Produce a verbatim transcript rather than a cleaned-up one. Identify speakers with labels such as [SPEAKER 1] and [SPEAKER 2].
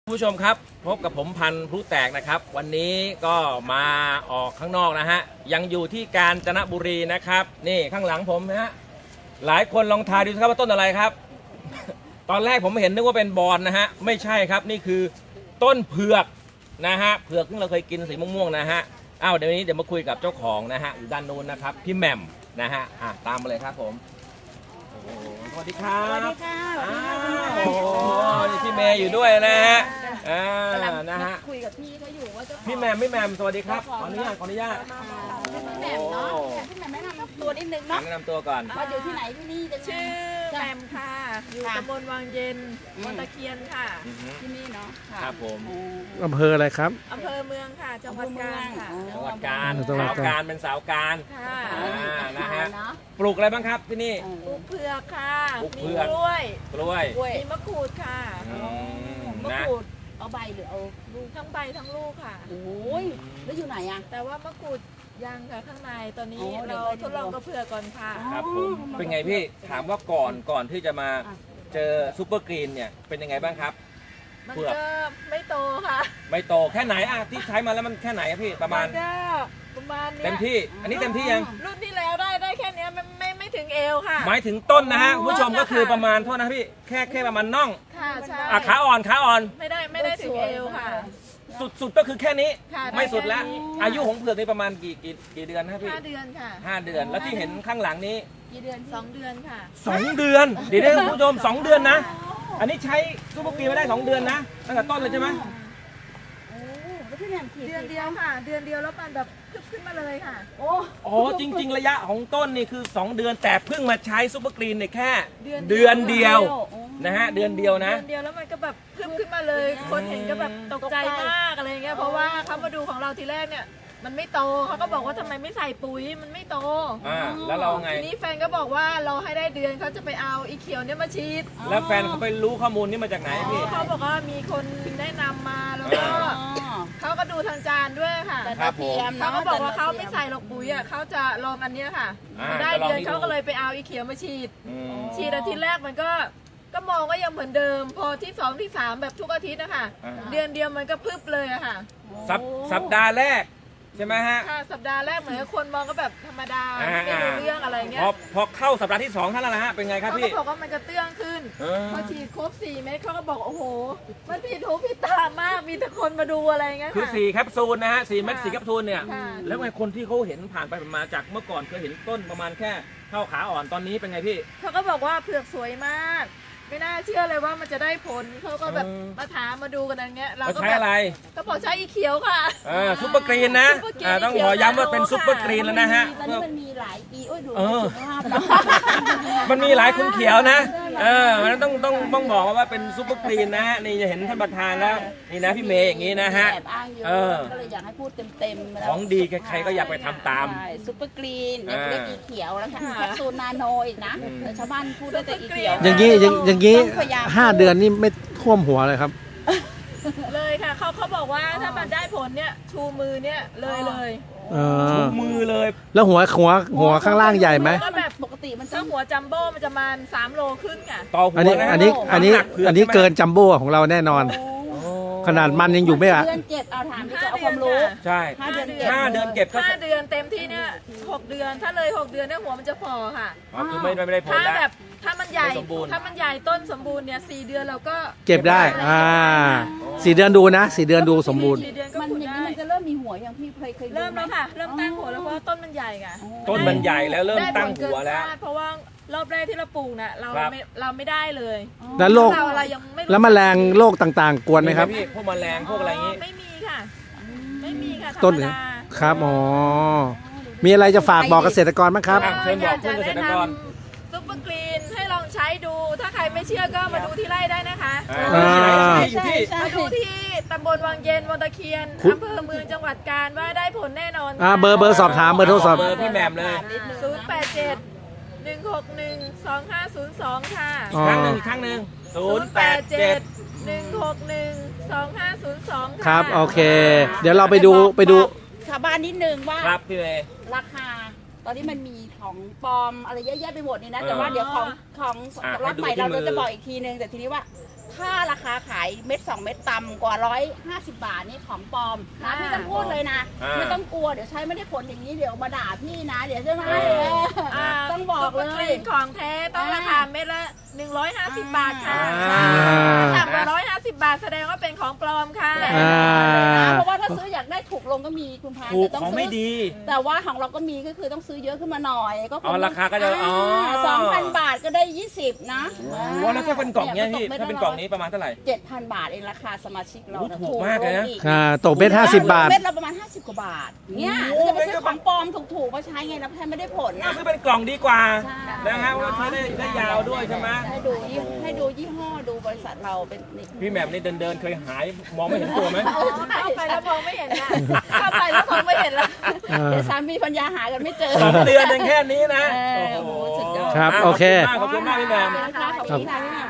[SPEAKER 1] ผู้ชมครับพบกับผมพันธุ์พลุแตกนะครับวันนี้ก็มาออกข้างนอกนะฮะยังอยู่ที่กาญจนบุรีนะครับนี่ข้างหลังผมนะฮะหลายคนลองทายดูครับว่าต้นอะไรครับ ตอนแรกผมเห็นนึกว่าเป็นบอนนะฮะไม่ใช่ครับนี่คือต้นเผือกนะฮะเผือกที่เราเคยกินสีม่วงๆนะฮะอ้าวเดี๋ยวนี้เดี๋ยวมาคุยกับเจ้าของนะฮะอยู่ด้านนู้นนะครับพี่แหม่มนะฮะอ่ะตามมาเลยครับผมโอ้โหสวัสดีครับ
[SPEAKER 2] สวัสดีค่ะสวัสดีค่ะ
[SPEAKER 1] โอ้โหนี่พี่เมย์อยู่ด้วยนะฮะอ่านะฮะ
[SPEAKER 2] คุยกับพี่เขาอยู่ว่าจะ
[SPEAKER 1] พี่แหม่มพี่แหม่มสวัสดีครับขออนุญาตขออนุญาต
[SPEAKER 2] พี่แหม่มเนาะพี่แหม่มแนะนำตัวนิดนึงเนาะ
[SPEAKER 1] แนะนำตัวก่อน
[SPEAKER 2] ว่าอยู่ที่ไหนที่นี่จะ
[SPEAKER 3] ชื่อแหม่มค่ะ อยู่ตำบลวังเย็นมณตะเคียนค่ะ
[SPEAKER 1] อือฮึ
[SPEAKER 2] ที่นี่เนาะ
[SPEAKER 1] ครับผม
[SPEAKER 4] อำเภออะไรครับ
[SPEAKER 3] อำเภอเมืองค่ะ จังหวัดกาญค่ะ
[SPEAKER 1] จังหวัดกาญ
[SPEAKER 4] จังหวัด
[SPEAKER 1] สาว
[SPEAKER 4] กาญ
[SPEAKER 1] การเป็นสาวการ
[SPEAKER 3] ค่ะ
[SPEAKER 1] อ่านะฮะ
[SPEAKER 2] เนาะ
[SPEAKER 1] ปลูกอะไรบ้างครับที่นี่
[SPEAKER 3] ปลูกเผือกค่ะ
[SPEAKER 1] ปลูก
[SPEAKER 3] มี
[SPEAKER 1] เผือก
[SPEAKER 3] กล้วย
[SPEAKER 1] กล้วย
[SPEAKER 2] กล้วย
[SPEAKER 3] มีมะกรูดค่ะ
[SPEAKER 1] อืม
[SPEAKER 2] มะ
[SPEAKER 1] นะ
[SPEAKER 2] กรูดเอาใบหรือเอาลูก
[SPEAKER 3] ทั้งใบทั้งลูกค่ะ
[SPEAKER 2] โอ้ยแล้วอยู่ไหนอ่ะ
[SPEAKER 3] แต่ว่ามะกรูดยังค่ะข้างในตอนนี้
[SPEAKER 2] อ๋อเดี๋ย
[SPEAKER 3] เรา
[SPEAKER 2] วไปดู
[SPEAKER 3] ทดลองกับเผือกก่อนค่ะ
[SPEAKER 1] ครับผมเป็นไงพี่ถามว่าก่อนก่อนที่จะมา
[SPEAKER 2] อ่ะ
[SPEAKER 1] เจอซูเปอร์กรีนเนี่ยเป็นยังไงบ้างครับ
[SPEAKER 3] มัน
[SPEAKER 1] เผือก
[SPEAKER 3] ก็ไม่โตค่ะ
[SPEAKER 1] ไม่โตแค่ไหนอะที่ใช้มาแล้วมันแค่ไหนอะพี่ประมาณ
[SPEAKER 3] นก็ประมาณเนี้ย
[SPEAKER 1] เต็มที่ อันนี้เต็มที่ยัง
[SPEAKER 3] รุ่นที่แล้วได้ได้แค่เนี้ยไม่ไม่ไม่ถึงเอวค่ะ
[SPEAKER 1] หมายถึงต้นนะฮะคุณผู้ชม
[SPEAKER 3] ต้นนะคะ
[SPEAKER 1] ก็คือประมาณโทษนะพี่แค่แค่ประมาณน่อง
[SPEAKER 3] ค่ะใช่
[SPEAKER 1] อ่ะขาอ่อนขาอ่อน
[SPEAKER 3] ไม่ได้ไม่ได้ถึงเอวค่ะ
[SPEAKER 1] สุดสุดก็คือแค่นี้
[SPEAKER 3] ค่ะ
[SPEAKER 1] ไม่สุดแล้ว
[SPEAKER 3] ได้แค่นี้
[SPEAKER 1] อายุของเผือกนี่ประมาณกี่กี่กี่เดือนนะพี่
[SPEAKER 3] ห้าเดือนค่ะ
[SPEAKER 1] ห้าเดือนแล้วที่เห็นข้างหลังนี้
[SPEAKER 2] กี่เดือน
[SPEAKER 3] สองเดือนค่ะ
[SPEAKER 1] สองเดือนเดี๋ยวนะคุณผู้ชมสองเดือนนะ อันนี้ใช้ซูเปอร์กรีนมาได้สองเดือนนะตั้งแต่ต้นเลยใช่ไหม
[SPEAKER 2] โอ้แล้วพี่แหม่มขีด
[SPEAKER 3] เดือนเดียวค่ะ เดือนเดียวแล้วมันแบบพึบขึ้นมาเลยค่ะ
[SPEAKER 2] โอ้
[SPEAKER 1] อ๋อจริง ๆ ระยะของต้นนี่คือสองเดือนแต่เพิ่งมาใช้ซูเปอร์กรีนเนี่ยแค่
[SPEAKER 3] เดือน
[SPEAKER 1] เดือนเดียวนะฮะเดือนเดียวนะ
[SPEAKER 3] เดือนเดียวแล้วมันก็แบบพึบขึ้นมาเลย คนเห็นก็แบบตกใจมากอะไรเงี้ยเพราะว่าเขามาดูของเราทีแรกเนี่ย มันไม่โตเขาก็บอกว่าทำไมไม่ใส่ปุ๋ยมันไม่โต
[SPEAKER 1] อ่าแล้วเราไง
[SPEAKER 3] ทีนี้แฟนก็บอกว่าเราให้ได้เดือนเขาจะไปเอาอีเขียวเนี่ยมาฉีด
[SPEAKER 1] แล้วแฟนเขาไปรู้ข้อมูลนี้มาจากไหนพี่
[SPEAKER 3] เขาบอกว่ามีคนแนะนำมาแล้วก็
[SPEAKER 2] อ๋อ
[SPEAKER 3] เขาก็ดูทางจานด้วยค่ะ
[SPEAKER 2] แต่
[SPEAKER 1] ครับผม
[SPEAKER 2] เทียม
[SPEAKER 3] เขา
[SPEAKER 2] เนาะ
[SPEAKER 3] ก็บอกว่าเขาไม่ใส่หรอกปุ๋ยอ่ะเขาจะลองอันเนี้ยค่ะ
[SPEAKER 1] อ่า
[SPEAKER 3] พอได้
[SPEAKER 1] จะลอง
[SPEAKER 3] เดือน
[SPEAKER 1] นี่
[SPEAKER 3] เขา
[SPEAKER 1] ดู
[SPEAKER 3] ก็เลยไปเอาอีเขียวมาฉีด
[SPEAKER 1] อืม
[SPEAKER 3] ฉีดอาทิตย์แรกมันก็ก็มองก็ยังเหมือนเดิม พอที่สองที่สามแบบทุกอาทิตย์นะคะ
[SPEAKER 1] อ่า
[SPEAKER 3] เดือนเดียวมันก็พึบเลยอะค่ะ
[SPEAKER 1] สัปสัปดาห์แรกใช่ไหมฮะ
[SPEAKER 3] ค่ะสัปดาห์แรกเหมือนกับคนมองก็แบบธรรมดา
[SPEAKER 1] อ่า
[SPEAKER 3] ไม่รู้เรื่องอะไรเงี้
[SPEAKER 1] พ
[SPEAKER 3] ย
[SPEAKER 1] อพอเข้าสัปดาห์ที่สองเท่านั้นแหละฮะเป็นไงครับ
[SPEAKER 3] เขา
[SPEAKER 1] พี่
[SPEAKER 3] ก็บอกว่ามันจะเตื้องขึ้น
[SPEAKER 1] เออ
[SPEAKER 3] พอฉีดครบสี่เม็ดเขาก็บอกโอ้โหมันผิดหูผิดตามากมีแต่คนมาดูอะไรเงี้ย
[SPEAKER 1] คือ
[SPEAKER 3] ค่ะ
[SPEAKER 1] สี่แคปซูลนะฮะสี่เม็ดสี่แคปซูลเนี่ย
[SPEAKER 3] ค่ะ
[SPEAKER 1] แล้วไงคนที่เขาเห็นผ่านไปผ่านมาจากเมื่อก่อนเคยเห็นต้นประมาณแค่เท่าขาอ่อนตอนนี้เป็นไงพี่
[SPEAKER 3] เขาก็บอกว่าเผือกสวยมาก ไม่น่าเชื่อเลยว่ามันจะได้ผลเขาก็แบบ
[SPEAKER 1] เออ
[SPEAKER 3] มาถามมาดูกันอย่างเงี้ยเรา
[SPEAKER 1] เขา
[SPEAKER 3] ก็
[SPEAKER 1] ใช้
[SPEAKER 3] แบบ
[SPEAKER 1] อะไร
[SPEAKER 3] ก็บอกใช้อีเขียวค่ะ
[SPEAKER 1] เออซุปเปอร์กรีนนะ
[SPEAKER 3] ซุปเปอร์กรีน
[SPEAKER 1] อ่าต้องขอย้ำว่าเป็นซุปเปอร์กรีนแล้วนะฮะ
[SPEAKER 2] ตอนนี้มันมีหลายปีโอ้ยดู
[SPEAKER 1] เออ
[SPEAKER 2] สุขภาพเนาะ
[SPEAKER 1] มันมีหลายคุณเขียวนะ เออมันต้องต้องต้องบอกว่าเป็นซุปเปอร์กรีนนะฮะ นี่จะเห็นท่านประธานแล้ว นี่นะพี่เมย์อย่างนี้นะฮะ
[SPEAKER 2] แอบอ้างเยอะ
[SPEAKER 1] เออ
[SPEAKER 2] ก็เลยอยากให้พูดเต็มๆแล้ว
[SPEAKER 1] ของดีใครๆก็อยากไปทำตาม
[SPEAKER 2] ใช่ซุปเปอร์กรีน
[SPEAKER 1] อ่า
[SPEAKER 2] เล็กๆอีเขียวแล้วค่ะ
[SPEAKER 3] ค่ะ
[SPEAKER 2] แคปซูลนาโนอีกนะ
[SPEAKER 1] อืม
[SPEAKER 2] แต่ชาวบ้านพูดได้แต่อีเขียว
[SPEAKER 4] อย่างนี้อย่างอย่างนี้
[SPEAKER 2] ต้องพยายาม
[SPEAKER 4] ห้าเดือนนี่ไม่ท่วมหัวเลยครับ
[SPEAKER 3] เลยค่ะเขาเขาบอกว่าถ้ามันได้ผลเนี่ยชูมือเนี่ยเลยเลย
[SPEAKER 4] เออ
[SPEAKER 1] มือเลย
[SPEAKER 4] แล้วหัวหัวหัวข้างล่างใหญ่ไหม
[SPEAKER 3] ก็แบบ
[SPEAKER 2] ปกติมันต้
[SPEAKER 3] ถ้า
[SPEAKER 2] อง
[SPEAKER 3] หัวจัมโบ้มันจะประมาณสามโลครึ่งค่ะ
[SPEAKER 1] ต่อหัว
[SPEAKER 4] อันนี้
[SPEAKER 1] นะ
[SPEAKER 4] อันนี้อันนี้
[SPEAKER 1] ำหกผื
[SPEAKER 4] อันนี้
[SPEAKER 1] ใช่ไหม
[SPEAKER 4] เกินจัมโบ้ของเราแน่นอน
[SPEAKER 1] โอ้
[SPEAKER 4] ขนาดมันยังอยู่ไม่อะ
[SPEAKER 2] เดือนเจ็ดเอาถามที่จะ
[SPEAKER 3] ห้า
[SPEAKER 2] เอา
[SPEAKER 3] เดื
[SPEAKER 2] ความรู้
[SPEAKER 3] ค่ะ
[SPEAKER 1] ใช่
[SPEAKER 2] ห้าเดือน
[SPEAKER 1] ห้าเดือนเก็บก็
[SPEAKER 3] ห้าเดือนเต็มที่เนี่ยหกเดือนถ้าเลยหกเดือนเนี่ยหัวมันจะฝ่อค่ะ
[SPEAKER 1] อ๋อคือไม่ไม่ได้ผล
[SPEAKER 3] ถ้า
[SPEAKER 1] แล้ว
[SPEAKER 3] แบบถ้ามันใหญ่
[SPEAKER 1] ไม่สมบูรณ์
[SPEAKER 3] ถ้ามันใหญ่ต้นสมบูรณ์เนี่ยสี่เดือนเราก็
[SPEAKER 4] เก็บได้ อ่าสี่เดือนดูนะสี่เดือนดูสมบูรณ์
[SPEAKER 3] สี่เดือนก็
[SPEAKER 2] มัน
[SPEAKER 3] ขุด
[SPEAKER 2] อย่าง
[SPEAKER 3] ได้
[SPEAKER 2] นี้มันจะเริ่มมีหัวอย่างพี่เคยเคยดู
[SPEAKER 3] เริ่ม
[SPEAKER 2] ไห
[SPEAKER 3] แล้วค่ะ เริ่มตั้งหัวแล้วเพราะว่าต้นมันใหญ่ค่ะ
[SPEAKER 1] ต้นมันใหญ่แล้วเริ่ม
[SPEAKER 3] ได้
[SPEAKER 1] ตั้
[SPEAKER 3] ผ
[SPEAKER 1] ง
[SPEAKER 3] ลเกิ
[SPEAKER 1] หัวน แล้ว
[SPEAKER 3] คาดเพราะว่ารอบแรกที่เราปลูกน่ะเรา
[SPEAKER 1] ครับ
[SPEAKER 3] ไม่เราไม่ได้เลย
[SPEAKER 4] แล้วโรค
[SPEAKER 3] เราอะไรยังไม่รู้
[SPEAKER 4] แล้วแมลงโรคต่างๆ กวนไหมครับ
[SPEAKER 1] พี่พวกแมลงพวกอะไรอย่างงี้
[SPEAKER 3] ไม่มีค่ะ ไม่มีค่ะธร
[SPEAKER 4] ต้น
[SPEAKER 3] รม
[SPEAKER 4] เนี่ย
[SPEAKER 3] ดา
[SPEAKER 4] ครับอ๋อมีอะไรจะฝากบอกเกษตรกรบ้างครับ
[SPEAKER 1] อ่ะเชิญบอกเพื่อนเกษตรกร
[SPEAKER 3] ซุปเปอร์กรีนให้ลองใช้ดู ถ้าใครไม่เชื่อก็มาดูที่ไร่ได้นะคะ
[SPEAKER 1] อ่า
[SPEAKER 4] อ่า
[SPEAKER 1] อยู่ที่
[SPEAKER 2] ใช่
[SPEAKER 3] มาดูที่ตำบลวังเย็นวังตะเคียน
[SPEAKER 4] คุณ
[SPEAKER 3] อำเภอเมืองจังหวัดกาญว่าได้ผลแน่นอน
[SPEAKER 4] อ่าเบอร์เบอร์สอบถามเบอร์โทรศัพท์
[SPEAKER 1] เบอร์พี่แหม่มเลย
[SPEAKER 3] ศูนย์แปดเจ็ดหนึ่งหกหนึ่งสองห้าศูนย์สองค่ะ
[SPEAKER 4] อ๋อ
[SPEAKER 1] ครั้งหนึ่งอีกครั้งหนึ่งศูนย์แปดเจ็ด
[SPEAKER 3] หนึ่งหกหนึ่งสองห้าศูนย์สองค่ะ
[SPEAKER 4] ครับโอเค เดี๋ยวเราไปดูไปดู
[SPEAKER 2] ชาวบ้านนิดนึงว่า
[SPEAKER 1] ครับพี่เมย์
[SPEAKER 2] ราคา ตอนนี้มันมีของปลอมอะไรเยอะแยะไปหมดนี่นะ
[SPEAKER 1] เออ
[SPEAKER 2] แต่ว่าเดี๋ยวของของ
[SPEAKER 1] อ่ะ
[SPEAKER 2] รอบใหม่
[SPEAKER 1] ให้ดูที่
[SPEAKER 2] เรา
[SPEAKER 1] มือ
[SPEAKER 2] จะบอกอีกทีนึง แต่ทีนี้ว่าถ้าราคาขายเม็ดสองเม็ดต่ำกว่าร้อยห้าสิบบาทนี่ของปลอมนะพี่ต้องพูดเลยนะ
[SPEAKER 1] อ่า
[SPEAKER 2] ไม่ต้องกลัวเดี๋ยวใช้ไม่ได้ผลอย่างนี้เดี๋ยวมาด่าพี่นะ เดี๋ยวใช่ไหม
[SPEAKER 3] อ่า
[SPEAKER 2] ต้องบอกเล
[SPEAKER 3] ซุปปร์ก
[SPEAKER 2] ย
[SPEAKER 3] รีนของแท้ต้องราคาเม็ดละหนึ่งร้อยห้าสิบบาทค่ะ
[SPEAKER 1] อ่า
[SPEAKER 3] ต่ำกว่าร้อยห้าสิบบาทแสดงว่าเป็นของปลอมค่ะ
[SPEAKER 4] อ่า
[SPEAKER 2] เพราะว่าถ้าซื้ออยากได้ถูกลงก็มีคุณพาน
[SPEAKER 1] ถูก
[SPEAKER 2] แต่ต้
[SPEAKER 1] ของ
[SPEAKER 2] ซื้
[SPEAKER 1] ไม่ดี
[SPEAKER 2] แต่ว่าของเราก็มีก็คือต้องซื้อเยอะขึ้นมาหน่อยก็
[SPEAKER 1] อ๋อราคาก็จะอ๋อ
[SPEAKER 2] สองพันบาทก็ได้ยี่สิบนะ
[SPEAKER 1] โอ้โหแล้วถ้าเป็นกล่องเนี้ยพี่ถ้าเป็นกล่องนี้ประมาณเท่าไหร่
[SPEAKER 2] เจ็ดพันบาทเองราคาสมาชิกเรา
[SPEAKER 1] โอ้ถูกมากเลยนะ
[SPEAKER 4] อ่าตกเม็ดห้าสิบบาท
[SPEAKER 2] เม็ดเราประมาณห้าสิบกว่าบาทเนี่ย
[SPEAKER 1] โอ้โห
[SPEAKER 2] จะไปซื้อของปลอมถูกๆมาใช้ไงแล้วแทนไม่ได้ผลนะ
[SPEAKER 1] ซื้อเป็นกล่องดีกว่า
[SPEAKER 2] ใช่
[SPEAKER 1] นะฮะว่าใช้ได้ได้ยาวด้วยใช่ไหม
[SPEAKER 2] ให้ดูยี่ให้ดูยี่ห้อดูบริษัทเราเป็นนี่
[SPEAKER 1] พี่แหม่มนี่เดินเดินๆเคยหายมองไม่เห็นตัวไหม
[SPEAKER 3] เข้าไปแล้วมองไม่เห็นละเข้าไปแล้วมองไม่เห็นละ
[SPEAKER 4] อ่า
[SPEAKER 2] เดี๋ยวสามีปัญญาหากันไม่เจอ
[SPEAKER 1] สองเดือนเองแค่นี้นะ
[SPEAKER 2] เออโอ้โหสุดยอด
[SPEAKER 4] ครับโอเค
[SPEAKER 1] ขอบคุณมากขอบคุณมากพี่แหม่ม
[SPEAKER 2] ขอบคุณค่ะขอบคุณค่ะพี่แหม่ม